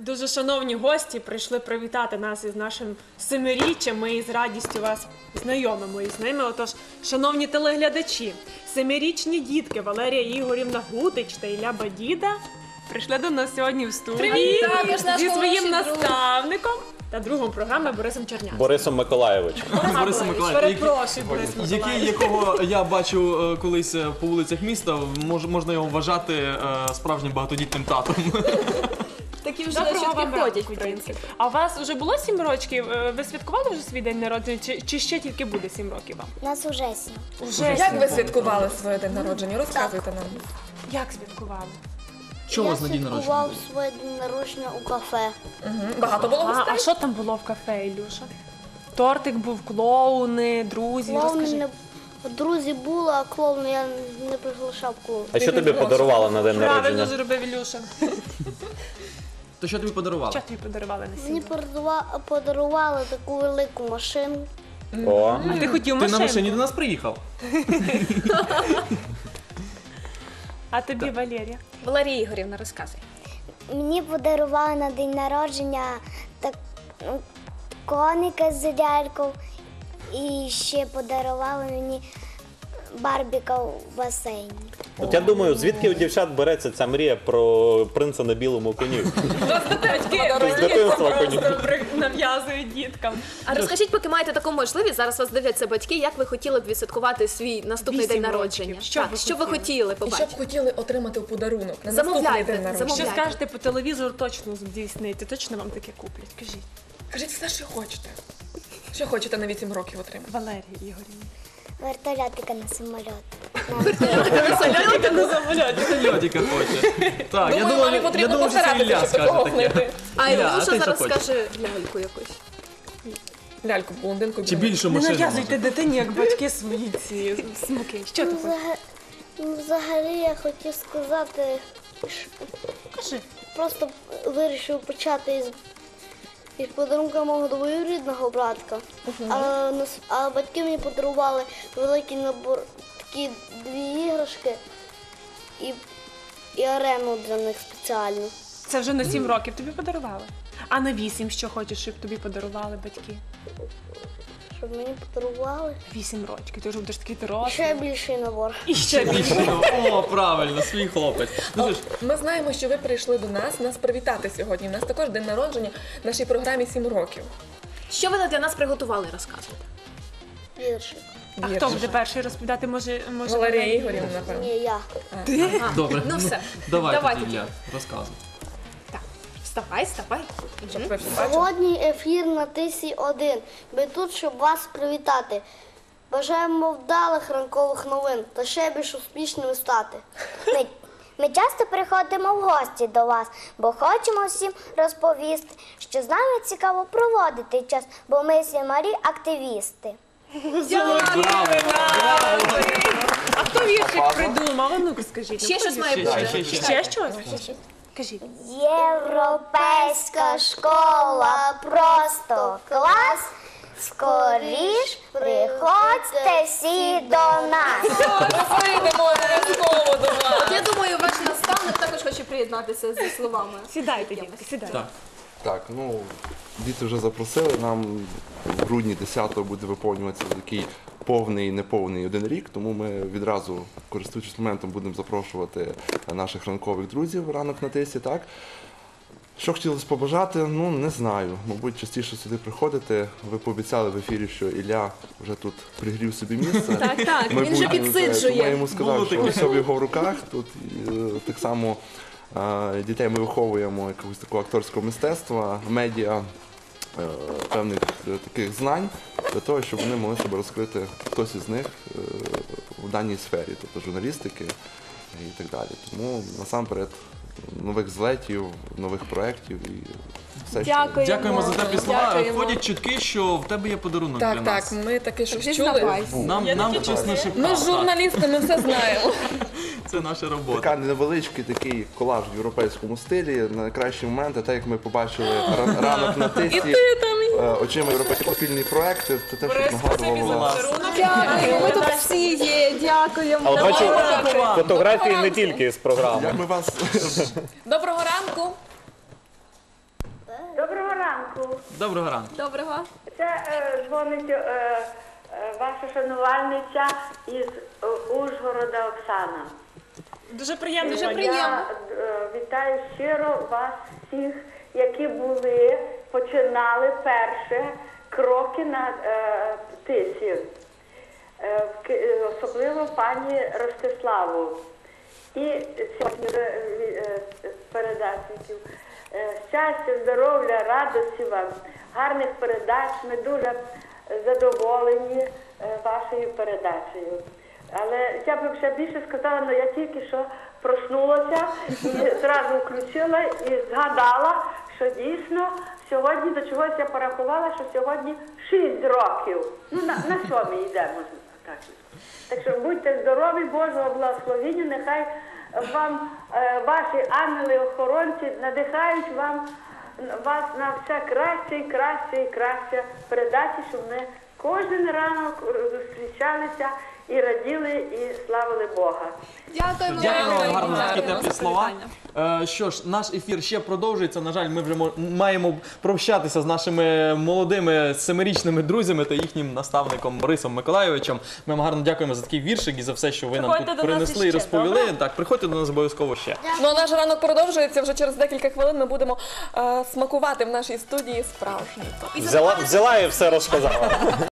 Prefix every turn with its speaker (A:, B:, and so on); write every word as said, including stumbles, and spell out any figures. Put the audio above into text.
A: Дуже шановні гості прийшли привітати нас із нашим семиріччям. Ми із радістю вас знайомимо із ними. Отож, шановні телеглядачі, семирічні дітки Валерія Ігорівна Гутич та Ілля Бадіда прийшли до нас сьогодні в студії зі своїм наставником та другом програми Борисом Чернявським.
B: Борисом Миколаєвичем.
A: Борисом Миколаєвичем. Перепрошую, Борис Миколаєвич.
C: Який, якого я бачив колись по вулицях міста, мож, можна його вважати е, справжнім багатодітним татом.
D: Такі вже
A: Доброго вам
D: підходять,
A: ранку,
D: в принципі.
A: А у вас вже було сім років? Ви святкували вже свій день народження? Чи, чи ще тільки буде сім років вам?
E: У нас уже сім.
A: Уже
F: Як
A: сім.
F: ви святкували своє день народження? Розказуйте нам.
A: Як святкували?
C: Що у вас на день народження?
E: Я святкував своє день народження у кафе.
F: Мгм. Багато було
A: А,
F: гостей?
A: а що там було в кафе, Ілюша? Тортик був, клоуни, друзі.
E: Клоуни
A: Розкажи.
E: не... Друзі були, а клоуни я не приглашав клоун.
B: А що тобі подарувала на день
A: Правильно
B: народження?
A: зробив Ілюша.
C: То що тобі подарували?
A: Що тобі подарували на
E: Мені
A: сім?
E: подарува- подарували таку велику машину.
B: О,
A: А ти хотів
C: Ти на
A: машинку?
C: машині до нас приїхав?
A: А тобі, Валерія?
D: Валерія Ігорівна, розказуй.
E: Мені подарували на день народження так, ну, коника з лялькою і ще подарували мені барбіка в басейні.
B: от я думаю, звідки у дівчат береться ця мрія про принца на білому коні?
A: Батьки
B: З дитинства коні.
A: нав'язують діткам.
D: А розкажіть, поки маєте таку можливість, зараз вас дивляться батьки, як ви хотіли б відсвяткувати свій наступний
A: Вісім
D: день
A: років.
D: народження?
A: Що
D: так,
A: ви
D: що ви
A: хотіли?
D: хотіли
F: І що б
D: побачити?
F: хотіли отримати у подарунок на наступний
D: Замовляйте,
F: день народження?
A: Що
D: замовляйте.
A: скажете по телевізору, точно здійснити, точно вам таке куплять. Кажіть.
F: Кажіть все, що хочете. Що хочете на вісім років отримати?
A: Валерія Ігорівна.
E: Вертольотика на самоліт.
A: Сольотика на самоліті.
C: Льодіка хоче. Так, я
F: Думаю,
C: думав,
F: мамі
C: я
F: потрібно
C: думав, що це
F: постаратися,
C: Ілля
F: щоб
C: скаже
F: такого
C: таке.
F: внити.
D: А
C: Ілля,
D: Ілюша
C: а ти що
D: зараз
C: хочеш?
D: скаже ляльку якусь.
F: Ляльку, блондинку.
C: Чи
F: білу.
C: більшу
A: Не
C: машину?
A: нав'язуйте дитині, як батьки свої ці смаки. Що ти
E: Ну,
A: хочеш?
E: взага- ну, взагалі я хотів сказати, що
A: Кажи.
E: просто вирішив почати із, із подарунка мого двоюрідного братка. А, нас- а батьки мені подарували великий набор, такі дві іграшки і, і арену для них спеціальну.
A: Це вже на сім років тобі подарували. А на вісім що хочеш, щоб тобі подарували батьки?
E: Щоб мені подарували
A: Вісім років. Ти вже будеш такий
E: ще
A: дорослий.
E: більший набор.
A: І ще більше.
C: О, правильно, свій хлопець. Ну, що ж,
F: Ми знаємо, що ви прийшли до нас, нас привітати сьогодні. У нас також день народження в нашій програмі сім років.
D: Що ви для нас приготували, розказуйте.
E: Віршик.
A: А хто буде перший розповідати? Може, може
F: Валерія Ігорівна, напевно.
E: Ні, я.
D: Ага.
C: добре.
D: Ну все.
C: Давай,
D: Давай
C: тоді,
D: тоді.
C: Ілля, розказуй.
D: Так. Вставай, вставай.
F: Щоб ви всі бачили.
E: Сьогодні ефір на Тисі один. Ми тут, щоб вас привітати. Бажаємо вдалих ранкових новин та ще більш успішними стати.
G: Ми, ми часто приходимо в гості до вас, бо хочемо всім розповісти, що з нами цікаво проводити час, бо ми сімарі активісти.
A: А хто віршик придумав? А ну-ка скажіть.
D: Ще
A: ну,
D: щось
A: хто
D: має
A: віршик?
D: бути.
C: Ще, ще.
A: Ще щось? Кажіть.
G: Європейська школа просто клас. Скоріш приходьте всі до нас.
F: Прийдемо обов'язково до вас.
D: От я думаю, ваш наставник також хоче приєднатися зі словами.
A: Сідайте, дітки, сідайте.
C: Так.
H: Так, ну діти вже запросили. Нам в грудні десятого буде виповнюватися такий повний, неповний один рік, тому ми відразу, користуючись моментом, будемо запрошувати наших ранкових друзів ранок на тисі. Так? Що хотілося побажати, ну не знаю. Мабуть, частіше сюди приходити. Ви пообіцяли в ефірі, що Ілля вже тут пригрів собі місце.
D: Так, так, він вже
H: Майбутнє,
D: підсиджує.
H: Тому я йому сказав,
C: Було
H: що
C: таке.
H: все в його руках. Тут е, так само е, дітей ми виховуємо якогось такого акторського мистецтва, медіа, е, певних е, таких знань для того, щоб вони могли себе розкрити, хтось із них е, в даній сфері, тобто журналістики і так далі. Тому насамперед нових злетів, нових проєктів і все, що
D: Дякую.
C: Дякуємо за теплі слова.
D: Дякуємо.
C: Ходять чутки, що в тебе є подарунок для
F: Так,
C: нас.
F: так, ми таке щось чули.
D: Зізнавайся.
C: Нам, нам чесно шептав.
F: Ми
C: так.
F: журналісти, ми все знаємо.
C: Це наша робота.
H: Така невеличкий такий колаж в європейському стилі. На найкращі моменти, так як ми побачили ра- ранок на тисі, е, очима європейські спільні проекти, це те, що нагадувало вас.
D: Дякую. Ми тут всі є. Дякуємо.
B: але бачу
C: Дякую.
B: фотографії не тільки з програми.
H: Як ми вас
F: Доброго ранку.
I: ранку.
C: Доброго ранку.
D: Доброго.
I: Це е, дзвонить е, е, ваша шанувальниця із е, Ужгорода Оксана.
A: Дуже приємно.
D: Дуже
A: пані.
D: приємно.
I: Я е, вітаю щиро вас всіх, які були, починали перше кроки на е, тисі. Е, в Ки- е, особливо пані Ростиславу. І сьогодні е, е, передачників. Е, Щастя, здоров'я, радості вам, гарних передач. Ми дуже задоволені е, вашою передачею. Але я б ще більше сказала, але я тільки що проснулася і зразу включила і згадала, що дійсно сьогодні до чогось я порахувала, що сьогодні шість років. Ну, на, на що ми йдемо? Так. Так що будьте здорові, Божого благословення, нехай вам е, ваші ангели-охоронці надихають вам, вас на все краще і краще і краще передачі, щоб ми кожен ранок зустрічалися і раділи, і славили Бога.
D: Дякуємо.
C: Дякую вам гарно за такі
D: Дякуємо
C: теплі
D: за
C: слова.
D: привітання.
C: Е, Що ж, наш ефір ще продовжується. На жаль, ми вже мо- маємо прощатися з нашими молодими семирічними друзями та їхнім наставником Борисом Миколайовичем. Ми вам гарно дякуємо за такий віршик і за все, що ви нам
A: Приходьте
C: тут
A: до нас
C: принесли і
A: іще,
C: розповіли.
A: добре?
C: Так, приходьте до нас обов'язково ще.
F: Ну а наш ранок продовжується. Вже через декілька хвилин ми будемо е, смакувати в нашій студії справжній торт.
B: Взяла, взяла і все розказала.